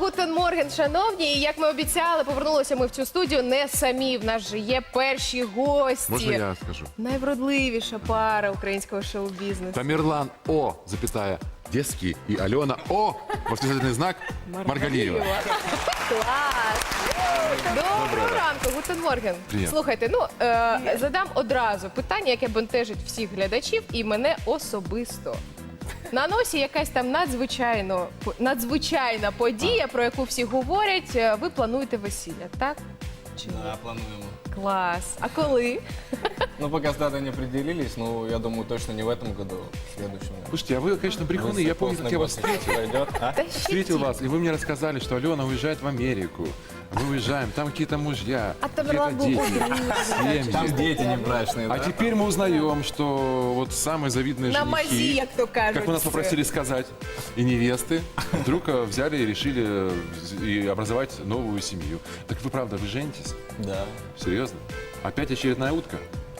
Гутен Морген, шановні. І як ми обіцяли, повернулися ми в цю студію не самі. В нас же є перші гості. Можно я скажу? Найвродливіша пара українського шоу-бізнесу. Тамерлан О, запятая, Детский, и Алена О, восклицательный знак, Маргалиева. Клас! Доброго ранку, Гутен Морген. Привіт. Слухайте, задам одразу питання, яке бентежить всіх глядачів і мене особисто. На носі якась там надзвичайна подія, про яку всі говорять. Ви плануєте весілля, так? Чи ні? Да, плануем. Клас. А коли? Ну, пока с датой не определились, но я думаю, точно не в этом году, в следующем. Слушайте, а вы, конечно, брехуны. Я помню, как я вас встретил. встретил вас, и вы мне рассказали, что Алена уезжает в Америку. Мы уезжаем, там какие-то мужья, А какие-то Тамерлан был дети, Там семьи. дети не брачные, А да? теперь мы узнаем, что вот самые завидные На мазі, женихи, як то кажуть. как вы нас попросили сказать, и невесты, вдруг взяли и решили и образовать новую семью. Так вы правда, вы женитесь? Да. Серьезно? Опять очередная утка?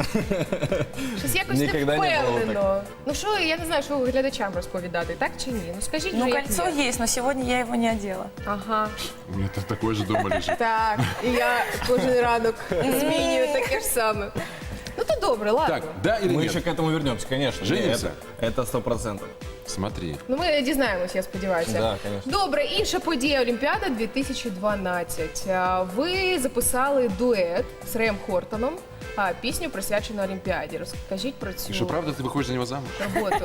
Щось якось Ніколи не не було впевнено. Ну що, я не знаю, що глядачам розповідати, так чи ні? Ну скажіть Ну, вже, як кольцо є. есть, но сегодня я его не одела. Ага. У меня такое же дома лежит. Так, і я кожен ранок змінюю таке ж саме. Ну то добре, ладно. Так, да или Мы нет? еще к этому вернемся, конечно. Женимся? Это 100%. Смотри. Ну ми дізнаємось, я сподіваюся. Да, конечно. Добре, інша подія Олімпіада 2012. Ви записали дует з Реєм Хортоном, пісню присвячену Олімпіаді. Розкажіть про цю Что, правда ты выходишь за него замуж? роботу.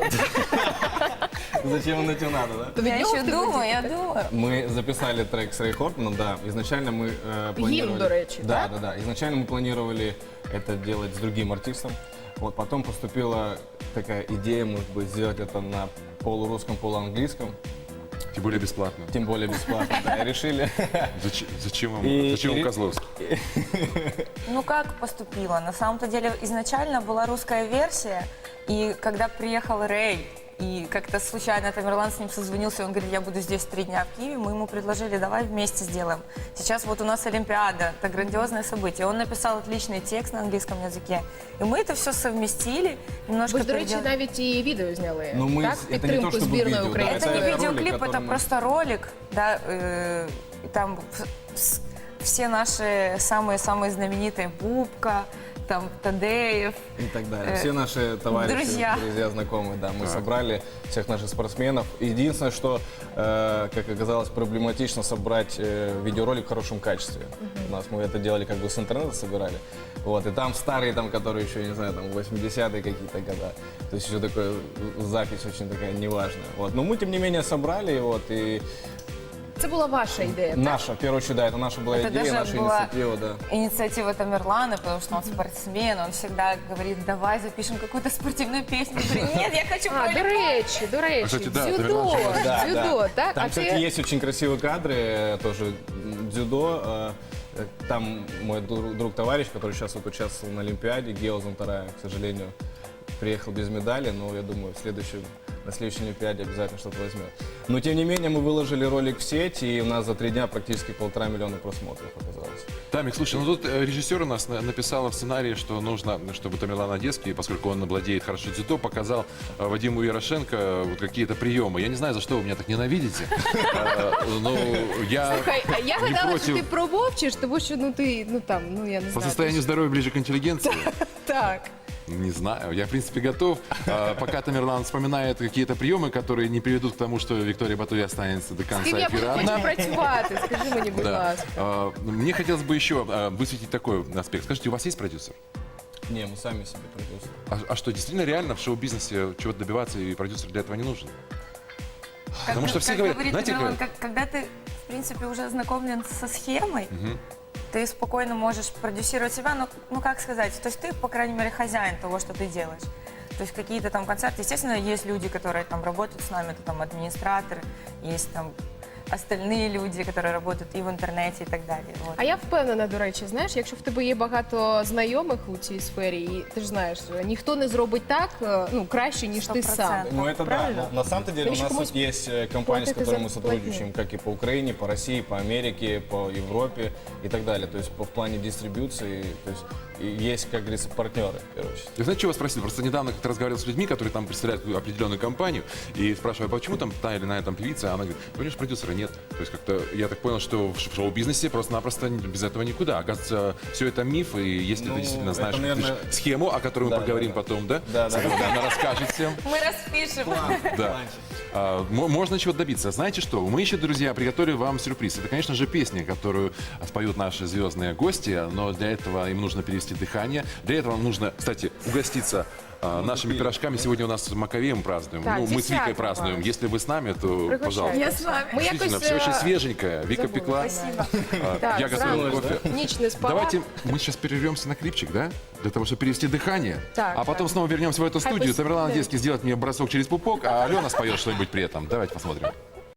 Зачем оно тебе надо, да? Від Я нього еще в тебе думаю, я діти? думаю. Мы записали трек с Рэй Хортоном, да. Изначально мы планировали... до речи, да, да? да. Изначально мы планировали это делать с другим артистом. Вот потом поступила такая идея, может быть, сделать это на полурусском, полуанглийском. Тем более бесплатно. Тем более бесплатно, да. И решили... Зачем вам, И- зачем вам и- Козловский? Ну, как поступила? На самом-то деле, изначально была русская версия, и когда приехал Рэй, и как-то случайно Тамерлан с ним созвонился, он говорит, я буду здесь 3 дня в Киеве, мы ему предложили, давай вместе сделаем. Сейчас вот у нас Олимпиада, это грандиозное событие. Он написал отличный текст на английском языке, и мы это все совместили, немножко Ви ж, до речі, переделали. навіть і відео зняли, Ну, ми так? це не то, Підтримку щоб збірної відео, да, України. Это не ролик, видеоклип, который это мы- просто ролик, да, и там все наши самые знаменитые Бубка, там Тадеев. И так далее. Все наши товарищи, друзья. знакомые, да, мы собрали всех наших спортсменов. Единственное, что, как оказалось, проблематично собрать видеоролик в хорошем качестве. У нас мы это делали как бы с интернета собирали. Вот, и там старые, там, которые еще, не знаю, там 80-е какие-то года. То есть еще такая запись очень такая неважная. Вот. Но мы, тем не менее, собрали, вот, и Це була ваша ідея, так? наша, в первую очередь, да, это наша была Это идея, даже наша была инициатива, да. инициатива Тамерлана, потому что он спортсмен, он всегда говорит, давай запишем какую-то спортивную песню. Я говорю, нет, я хочу А, до речі, кстати, да, дзюдо, Тамерлан же Да, дзюдо, да. так? Там, А кстати, ти есть очень красивые кадры, тоже дзюдо. Там мой друг-товарищ, который сейчас вот участвовал на Олимпиаде, Гео Зонтарая, к сожалению, приехал без медали, но я думаю, на следующей Олимпиаде обязательно что-то возьмет. Но, тем не менее, мы выложили ролик в сеть, и у нас за 3 дня практически 1,5 миллиона просмотров оказалось. Тамик, слушай, ну тут режиссер у нас написал в сценарии, что нужно, чтобы Тамерлан Одесский, поскольку он владеет хорошо дзюдо, показал Вадиму Ярошенко вот какие-то приемы. Я не знаю, за что вы меня так ненавидите, но я Слухай, а я не гадала, що ти против. промовчиш, тому що я не По знаю. состоянию здоровья ближе к интеллигенции. Так. Не знаю, я в принципе готов. Пока Тамерлан вспоминает какие-то приемы, которые не приведут к тому, что Виктория Батури останется до З конца ким я буду эфира потім одна. працювати? Скажи мені, будь Да. ласка. Мне хотелось бы еще высветить такой аспект. Скажите, у вас есть продюсер? Не, мы сами себе продюсеры. А что, действительно реально в шоу-бизнесе чего-то добиваться, и продюсер для этого не нужен? Потому что все как говорят, говорит знаете, Тамерлан, когда ты, в принципе, уже ознакомлен со схемой, ты спокойно можешь продюсировать себя, ну как сказать, то есть ты, по крайней мере, хозяин того, что ты делаешь. То есть какие-то там концерты, естественно, есть люди, которые там работают с нами, это там администраторы, есть там остальные люди, которые работают и в интернете и так далее. Вот. А я впевнена, до речі, знаєш, якщо в тебе є багато знайомих у цій сфері, і ти ж знаєш, ніхто не зробить так, краще, ніж ти сам. 100%. Ну это Правильно? да. Но на самом-то деле у Конечно, нас кому тут есть компании, с платят которыми мы за сотрудничаем, как и по Украине, по России, по Америке, по Европе и так далее. То есть в плане дистрибьюции, то есть и есть, как говорится, партнеры, в первую очередь. Я знаете, чего спросил? Просто недавно как-то разговаривал с людьми, которые там представляют определенную компанию, и спрашиваю, а почему там та или иная там певица? Она говорит, понимаешь, продюсера нет. То есть как-то я так понял, что в шоу-бизнесе просто-напросто без этого никуда. Оказывается, все это миф, и если ты действительно знаешь это, наверное, схему, о которой мы да, поговорим да. потом, да? Да, да, да. Она расскажет всем. Мы распишем. Да. Можно чего-то добиться. Знаете что? Мы еще, друзья, приготовили вам сюрприз. Это, конечно же, песня, которую споют наши звездные гости, но для этого им нужно перевести дыхание. Для этого вам нужно, кстати, угоститься нашими пирожками. Сегодня у нас с Маковеем празднуем. Так, Мы с 10 Викой вас. празднуем. Если вы с нами, то, пожалуйста. Я с вами. Ми Действительно, якось, все очень е, свеженькое. Вика забули. пекла. Спасибо. Так, Я готовил зранку кофе. ніч не спала. Давайте мы сейчас перервемся на клипчик, да? Для того, чтобы перевести дыхание. Так, а потом так. снова вернемся в эту Хай студию. пусть- Тамерлан да. Одесский сделает мне бросок через пупок, а Алена споет что-нибудь при этом. Давайте посмотрим.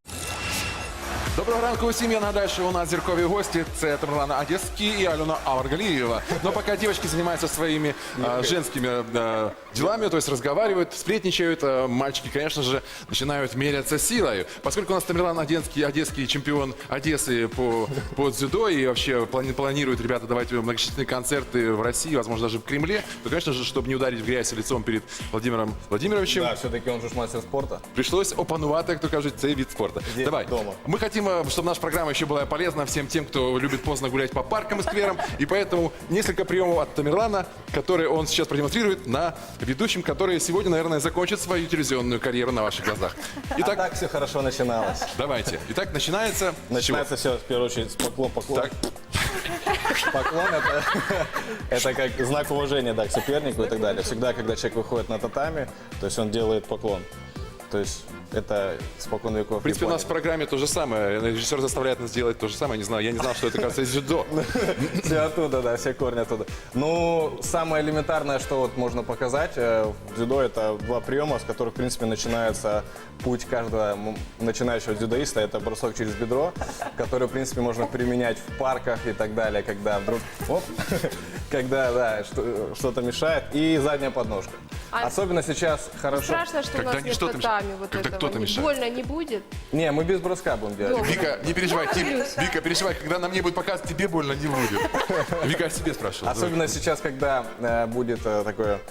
Доброго ранку усім. Я нагадаю, що у нас зіркові гості. Це Тамерлан Одесский и Алена Аваргалиева. Но пока девочки занимаются своими женскими делами, то есть разговаривают, сплетничают, мальчики, конечно же, начинают меряться силой. Поскольку у нас Тамерлан Одесский чемпион Одессы по дзюдо и вообще планируют ребята давать многочисленные концерты в России, возможно, даже в Кремле, то, конечно же, чтобы не ударить в грязь лицом перед Владимиром Владимировичем, Да, все-таки он же ж мастер спорта. пришлось опанувати, як то кажуть, цей вид спорта. Здесь, Давай. дома. Мы хотим, чтобы наша программа еще была полезна всем тем, кто любит поздно гулять по паркам и скверам. И поэтому несколько приемов от Тамерлана, которые он сейчас продемонстрирует на ведущем, который сегодня, наверное, закончит свою телевизионную карьеру на ваших глазах. А Итак, так все хорошо начиналось. давайте. Итак, начинается. с чего? Начинается все, в первую очередь, с поклон. Так, Поклон это как знак уважения, да, к сопернику и так далее. Всегда, когда человек выходит на татами, то есть он делает поклон. То есть это спокон веков. в принципе, у нас в программе то же самое. Режиссер заставляет нас делать то же самое. Не знаю, я не знал, что это, кажется, из дзюдо. Все оттуда, да, все корни оттуда. Ну, самое элементарное, что вот можно показать в дзюдо, это два приема, с которых, в принципе, начинается путь каждого начинающего дзюдоиста. Это бросок через бедро, который, в принципе, можно применять в парках и так далее, когда вдруг, оп, когда, да, что-то мешает. И задняя подножка. А Особенно сейчас хорошо. Страшно, что Когда у нас не нет что-то татами вот когда этого. кто-то Не мешает. больно не будет? Не, мы без броска будем делать. Дома. Вика, не переживай, Вика, переживай, когда на мне будет показывать, тебе больно не будет. Вика, я себе спрашивал. Особенно сейчас, когда будет такое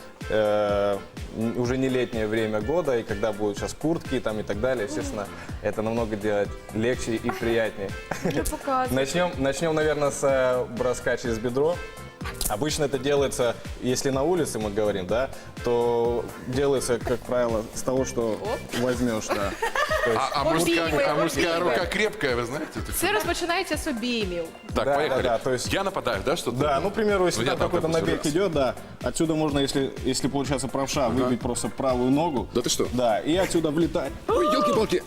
уже не летнее время года, и когда будут сейчас куртки там и так далее, естественно, это намного делать легче и приятнее. Не показывай. Начнем, наверное, с броска через бедро. Обычно это делается, если на улице мы говорим, да, то делается, как правило, с того, что возьмешь, да. То есть- А мужская рука крепкая, вы знаете? Це розпочинається з обіймів. Так, Да, поехали. да, да, то есть- Я нападаю, да, что-то? Да, ну, к примеру, если Ну, я там там, какой-то допустим, набег раз. идет, да, отсюда можно, если получается правша, выбить просто правую ногу. Да ты что? Да, и отсюда влетать. Ой, елки-палки.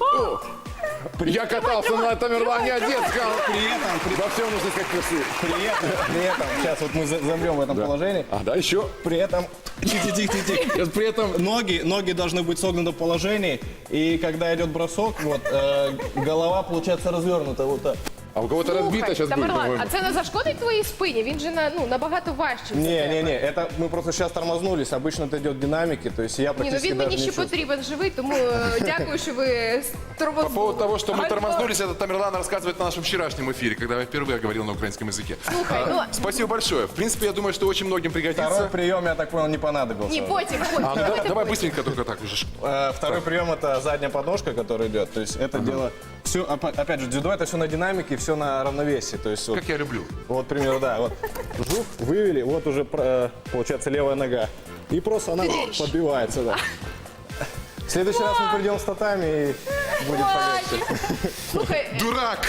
Я катался на Тамерлане Одесском. Во всем нужно сказать красиво. При этом, сейчас вот мы замрем в этом положении. А, да, еще. При этом, тихо. При этом ноги должны быть согнуты в положении. И когда идет бросок, вот голова получается развернута вот так. А у кого-то разбито сейчас будет, Тамерлан, по-моему. а це не зашкодить твоїй спині? Він же набагато важчий. за тебе. Не, это мы просто сейчас тормознулись. Обычно это идет в динамике, то есть я Ні, ну практически він даже мені не ще чувствую. потрібен живий, тому дякую, що ви По тормознули. поводу того, что мы Альбо- тормознулись, это Тамерлан рассказывает на нашем вчерашнем эфире, когда я впервые говорил на украинском языке. Слухай, ну Спасибо большое. В принципе, я думаю, что очень многим Второй пригодится. прием, я так понял, не понадобился. ні, потім. А, ну, давай потім. быстренько только так уже. Второй прием это задняя подножка, которая идет. То есть это дело, все, опять же, дзюдо это все на динамике, все на равновесии. То есть вот, Как я люблю. вот, к примеру, да, вот жук, вывели, вот уже получается левая нога. И просто она подбивается, да. В следующий раз мы придем с татами и будет полегче. Слухай, Дурак!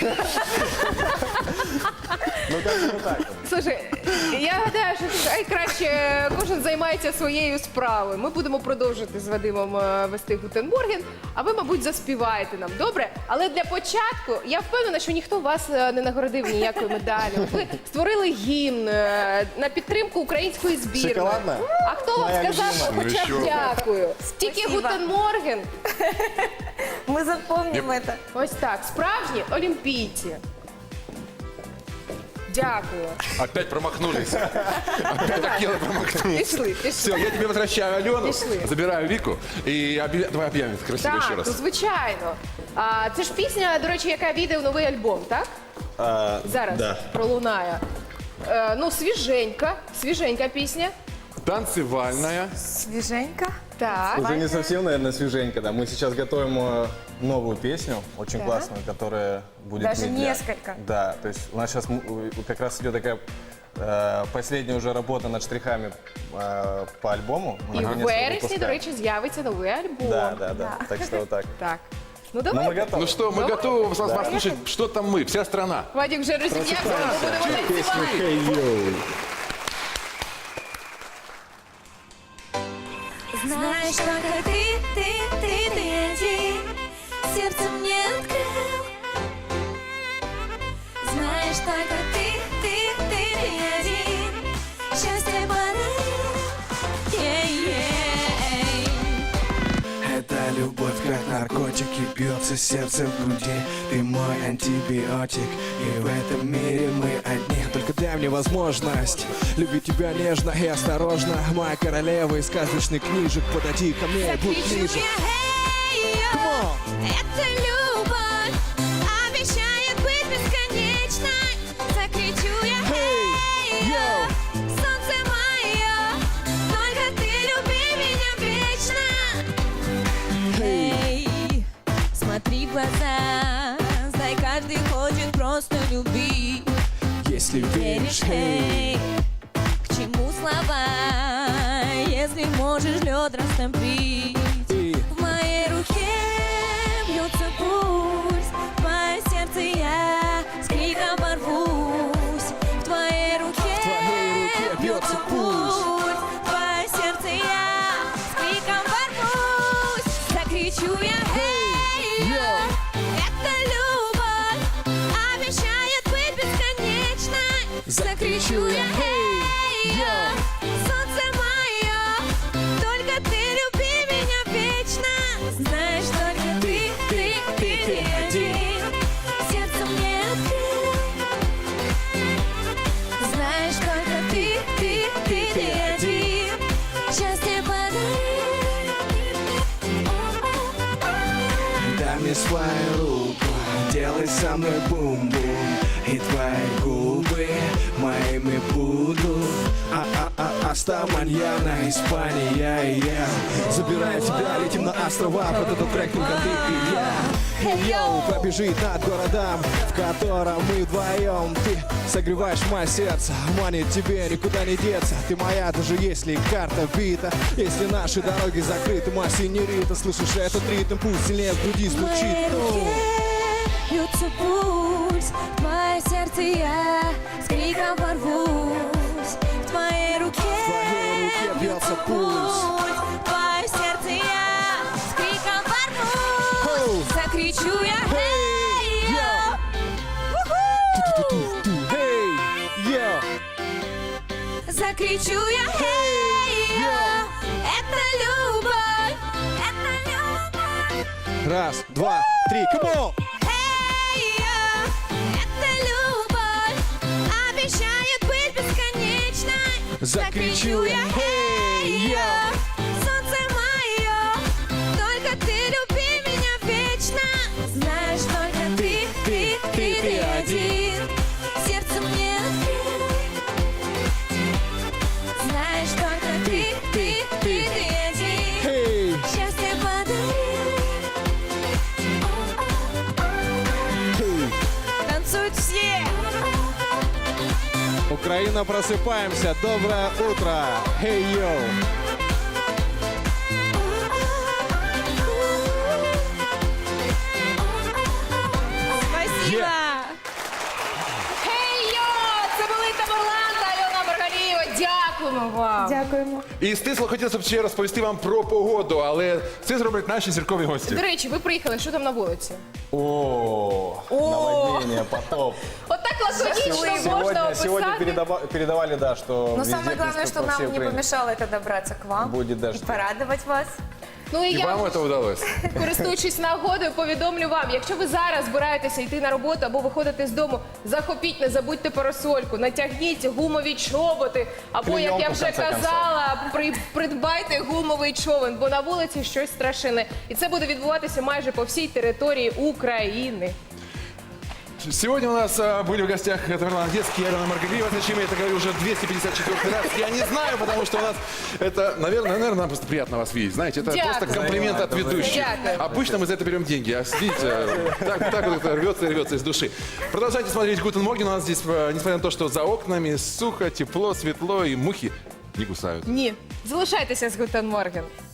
Ну как бы так. слушай, я гадаю, що краще кожен займається своєю справою. Ми будемо продовжувати з Вадимом вести Гутенморген, а ви, мабуть, заспіваєте нам, добре? Але для початку я впевнена, що ніхто вас не нагородив ніякою медаллю. Ви створили гімн на підтримку української збірної. Шоколадна? А хто вам Моя сказав, любима. хоча б Ну, що? дякую? Тільки Спасибо. Гутенморген. Мы запомним это. Ось так, справжні олімпійці. Дякую. Опять промахнулись. Опять хотела промахнуться. Пішли. Все, я тебе возвращаю Алену, Пішли. забираю Вику и давай объявим красиво еще Так, раз. ну звичайно. Це ж пісня, до речі, яка війде в новий альбом, так? Зараз да. пролунає. Ну, свіженька пісня. Танцевальная. Свеженько. Так. Уже не совсем, наверное, свеженько, да. Мы сейчас готовим новую песню, очень Так. классную, которая будет... Даже медля. несколько. Да, то есть у нас сейчас как раз идет такая последняя уже работа над штрихами по альбому. Мы І в наконец-то вересні, до выпускаем. речі, з'явиться новий альбом. Да. Так что вот так. Так. Ну Ну, мы давай. готовы. Ну что, мы готовы вас послушать, что там мы, вся страна. Вадик вже розім'явся, ми будемо танцювати. Hey, yo. Знаешь, только ты один сердце мне открыл. Знаешь, только ты один счастье подарил. Это любовь, как наркотик, и бьется сердце в груди. Ты мой антибиотик, и в этом мире мы одни. Только дай мне возможность любить тебя нежно и осторожно. Моя королева из сказочных книжек, подойди ко мне и будь Закричу ближе. я, Come on. это любовь обещает быть бесконечной. Закричу я, Hey, yo. солнце мое, только ты люби меня вечно. Hey. Смотри в глаза, знай, каждый хочет просто любить. Если веришь, hey. К чему слова, если можешь лед растопить? И В моей руке бьется пульс, в твое сердце я с криком порвусь. В твоей руке бьется пульс. в твое сердце я с криком порвусь. Закричу я, yo. это любовь обещает быть бесконечной. Закричу я, yo. солнце мое, только ты люби меня вечно. Знаешь, только ты один сердце мне открыл. Знаешь, только ты один счастье подарил. Дай мне свою руку, делай со мной бум-бум. И твои губы моими будут. Аста, маньяна, Испания и я. Забираем тебя, летим на острова. Под этот трек только ты и я. Йоу, побежит над городом, в котором мы вдвоем. Ты согреваешь мое сердце, манит тебе никуда не деться. Ты моя, даже если карта бита. Если наши дороги закрыты, моя синьорита. Слышишь этот ритм, пусть сильнее в груди В звучит. моей руке бьется пульс, в твое сердце я с криком порвусь. В твоей руке бьется пульс. в твое сердце я с криком порвусь. Закричу я, Hey, hey, Эй, йо, закричу я, hey, это любовь, это любовь. раз, два, три, come on! Это любовь обещает быть бесконечной. Закричу я, hey, yo. солнце мое, только ты люби меня вечно. Знаешь, только ты один сердце мне открыл. Знаешь, только ты один Hey, счастье подарил. hey. Танцуют все. Украина, просыпаемся, доброе утро, hey, yo. Спасибо. Хей-йо! Це були Тамерлан та Альона Маргалієва. Дякуємо вам. Дякуємо. І стисло хотілося б ще розповісти вам про погоду, але це зроблять наші зіркові гості. До речі, ви приїхали, що там на вулиці? О, наводнение, потоп. Отак лаконічно можна Сегодня описати. передавали, да, что Но везде, самое главное, по что всей нам не Украине помешало это добраться к вам будет и дождь. порадовать вас. Ну і І я, вам це вдалося. користуючись нагодою, повідомлю вам, якщо ви зараз збираєтеся йти на роботу або виходити з дому, захопіть, не забудьте парасольку, натягніть гумові чоботи, або, як я Клейонку, вже в конце казала, придбайте гумовий човен, бо на вулиці щось страшне. І це буде відбуватися майже по всій території України. Сегодня у нас были в гостях Тамерлан Одесский и Алена Маргалиева. Зачем я это говорю уже 254 раз? Я не знаю, потому что у нас это, наверное, нам просто приятно вас видеть. Знаете, это Дякую. просто комплимент от ведущих. Дякую. Обычно мы за это берем деньги, а видите, так вот это рвется и рвется из души. Продолжайте смотреть Гутен Морген. У нас здесь, несмотря на то, что за окнами сухо, тепло, светло и мухи не кусают. Ні. Залишайтеся з Гутен Морген.